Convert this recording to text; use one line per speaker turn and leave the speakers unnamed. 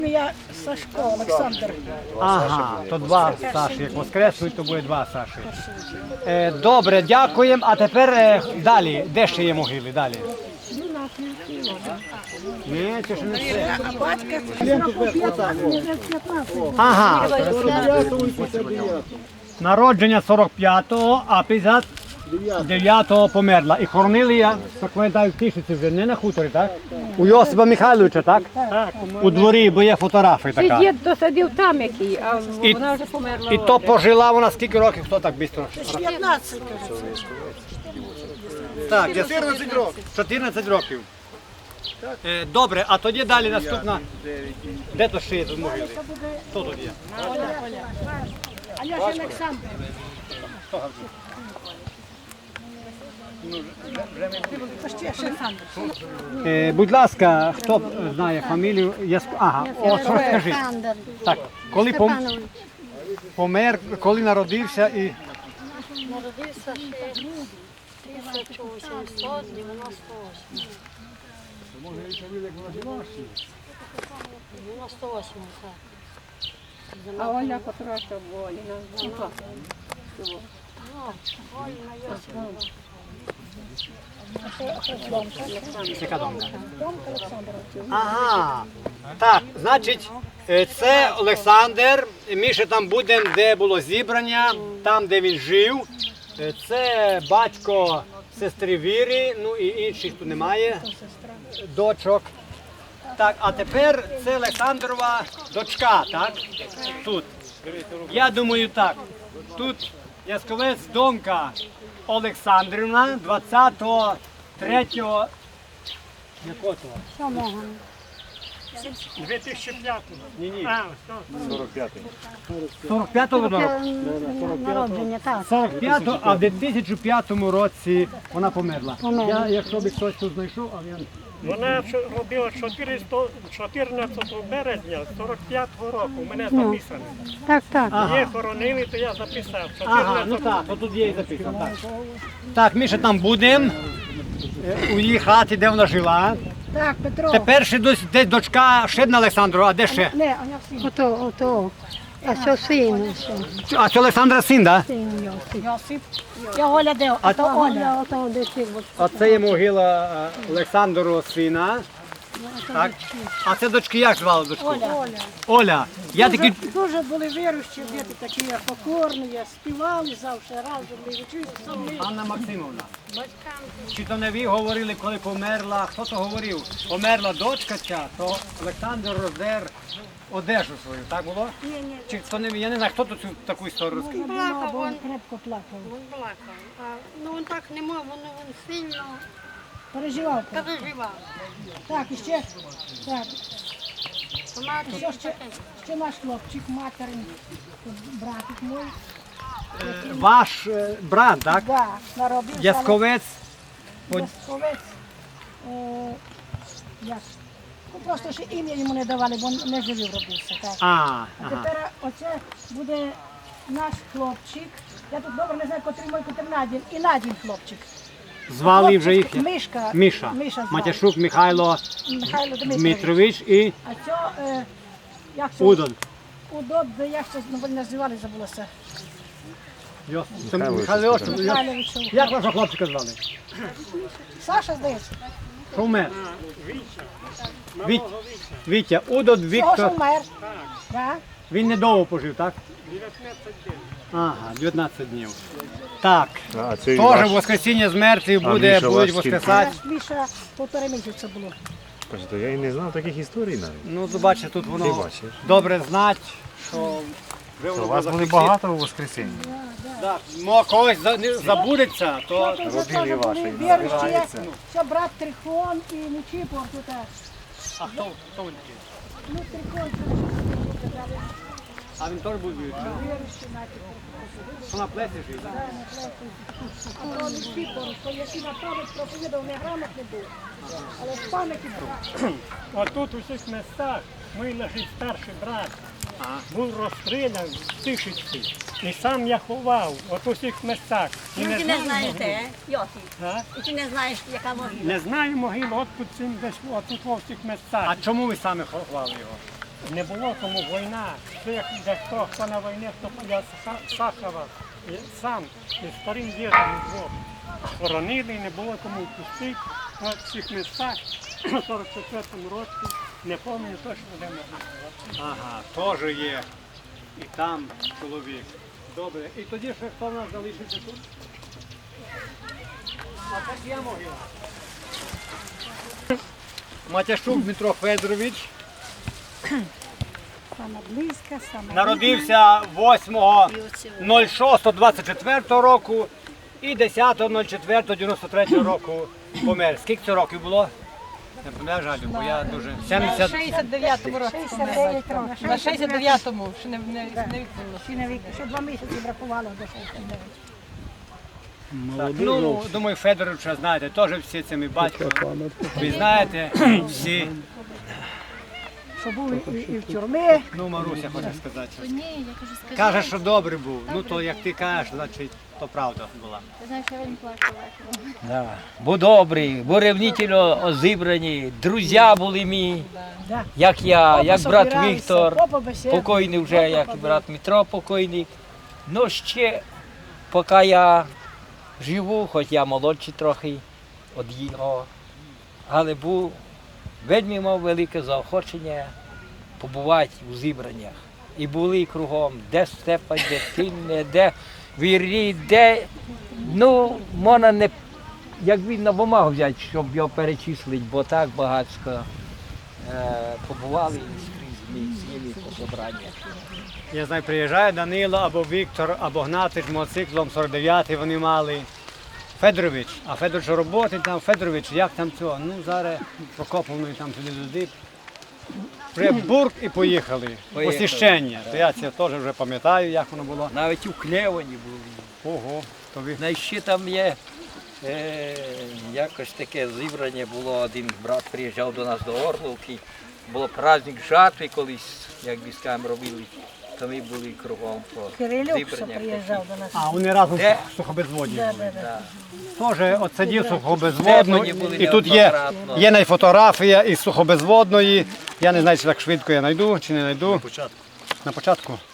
Я Сашко Олександр.
Ага, то два Саші. Як воскреснуть, то буде два Саші. Добре, дякуємо. А тепер далі. Де ще є могили? Далі. Ні, це ж не все. Ага. Народження 45-го, а 59-го померла. І хоронили, я так пам'ятаю, в Тишиці вже, не на хуторі, так? У Йосипа Михайловича, так? Так. У дворі, бо є фотографії така.
Дід досадив там який, а вона вже померла.
І то пожила вона скільки років, хто так швидко?
15,
Так, 14 років. 14 років. Добре, а тоді далі наступна. Де то ще є тут могили? Хто тут є?
А я ж Олександр.
Будь ласка, хто знає фамілію? Ага, о, що скажи. Так, коли помер, коли народився і...
Народився ще 1898. 98, так.
А Оля Котроша Воліна.
Яка думка? Ага, так, значить, це Олександр, ми ще там будемо, де було зібрання, там, де він жив. Це батько сестри Віри, ну і інших тут немає, дочок. Так, а тепер це Олександрова дочка, так? Тут. Я думаю так, тут Ясковець Домка Олександрівна 23-го, якого того?
2005.
Ні.
А,
45-го року?
Народження, так.
45-го, а в 2005 році вона померла. Я, якщо б хтось тут знайшов, а я...
вона робила 14 березня 45-го року. У мене записано.
Так, так.
Її хоронили, то я записав.
Ага, ну так, то тут є і записано. Так, так, ми ще там будемо, у її хаті, де вона жила.
Так, Петро.
Тепер ще десь дочка, ще одна Олександрова, а де ще?
Не, а я син.
Ото. А що син?
А це Олександра син, так?
Син Йосип.
Йосип. Я Оля де? А то Оля.
Ото десь.
А це є могила Олександрова сина. Так. А це дочки як звали дочку?
Оля.
Оля. Я такий...
Дуже були віруючі, діти такі покорні, співали завжди разом, вчилися самі.
Анна Максимовна. Чи то не ви говорили, коли померла, хто то говорив? Померла дочка ця, то Олександр роздер одежу свою, так було?
Ні.
Чи хто не, я не знаю, хто тут цю таку історію розказав?
Плакав,
Він крепко плакав.
він плакав. Ну він так не мав, він сильно
Переживав.
переживав.
Так, і ще, так,
Вона
ще наш хлопчик, материн, братик мій.
Ваш брат, так?
Да, наробився.
Ясковець.
Ясковець. Як? Ну, просто ще ім'я йому не давали, бо не живий робився. Так. А
Ага.
тепер оце буде наш хлопчик. Я тут добре не знаю, котрий мой, котрий Надін. І Надін хлопчик.
Звали вже їх.
Мишка.
Міша.
Звали.
Матяшук Михайло
Михайло
Дмитрович і
А це, як це?
Удон.
Удон, як це називали, забулося.
Це Михайло.
Михайлович.
Як вашого хлопчика звали?
Саша, здається.
Що вмер? Вітя. Удон
Того, що
Віктор.
вмер. Да?
Він недовго пожив, так?
19 днів.
Ага, 19 днів. Так.
А, це
Теж
ваш...
воскресіння з мертвих буде,
Міша
будуть
ваш
воскресати.
Наш Міша 1,5 місяця було.
Кажете, я і не знав таких історій навіть.
Ну, бачите, тут
Ти
воно
бачиш.
добре знати, що вже
У
воно
вас
буде
були
зафіксі-
багато у воскресінні.
Так, когось забудеться, то
Тут
Родини
теж
ваші
були
не
віруючі.
збираються.
Це брат Трихон і Нечіпор тут.
а хто він такий?
Ну, Трихон,
А він теж був віруючий? Що на плесі жив?
а то Нечіпор, то який на пам'ять проповідав, не грамотний був. Але в пам'яті був.
Отут у цих містах мій лежить старший брат. Був розстріляний в Тишиці. І сам я ховав от у цих містах. І
Ну, ти не знаєте, Йосип?
А?
І ти не знаєш, яка могила?
Не знаю могилу, от тут цим десь, от тут у цих містах.
А чому ви самі ховали його?
не було тому війна. Дехто, хто на війні, хто я Сахова, сам із старим дідом двох хоронили, не було кому пустити. От в цих містах у 44-му році, не пам'ятаю точно, де ми були.
Ага, теж є. І там чоловік. Добре. І тоді ще хто в нас залишиться тут? А так я могила. Матяшук Дмитро Федорович
Саме близька, саме
народився 8.06.24 року і 10.04.93 року помер. Скільки це років було? Не пам'ятаю, жалю, бо я дуже... 70...
69-му році.
69 років.
На 69-му, ще не відповіло.
Ще 2 місяці бракувало до 69.
Так, ну, думаю, Федоровича, знаєте, теж всі це мій батько. Ви знаєте, всі.
Що був і в тюрмі.
Ну, Маруся хоче сказати.
Ні, я кажу, скажи.
Каже, що добрий був. Ну, то як ти кажеш, значить, то правда була.
Ти знаєш, я він плакала.
Да. Бо добрі, бо ревнительно зібрані, друзі були мій,
Да.
як я, як брат
Собиралися,
Віктор,
попа бесіда.
покойний вже, як і брат Дмитро покойний. Ну ще, поки я живу, хоч я молодший трохи від його, але був, вельми мав велике заохочення побувати у зібраннях. І були кругом, де Степан, де Тинне, де Вірі, де, ну, можна не, як він на бумагу взяти, щоб його перечислити, бо так багатько побували скрізь ми з ними по собраннях.
Я знаю, приїжджає Данило або Віктор, або Гнатич мотоциклом 49-й вони мали. Федорович, а Федорович роботи там, Федорович, як там цього? Ну, зараз Прокоповної там туди-туди. Вже бурк і поїхали.
Поїхали.
Посіщення. То я це теж вже пам'ятаю, як воно було.
Навіть у Клевані були.
Ого, то ви.
Ну, і ще там є якось таке зібрання було, один брат приїжджав до нас до Орловки, було праздник жатви колись, як військам робили, то ми були кругом по
Кирилюк, що
зібраннях.
приїжджав до нас.
А, вони разом
Де?
в сухобезводні
Да,
були.
да, да.
Теж от сидів сухобезводну,
Степані були
і тут є,
неоднократно.
є найфотографія із сухобезводної. Я не знаю, чи так швидко я знайду, чи не знайду. На початку.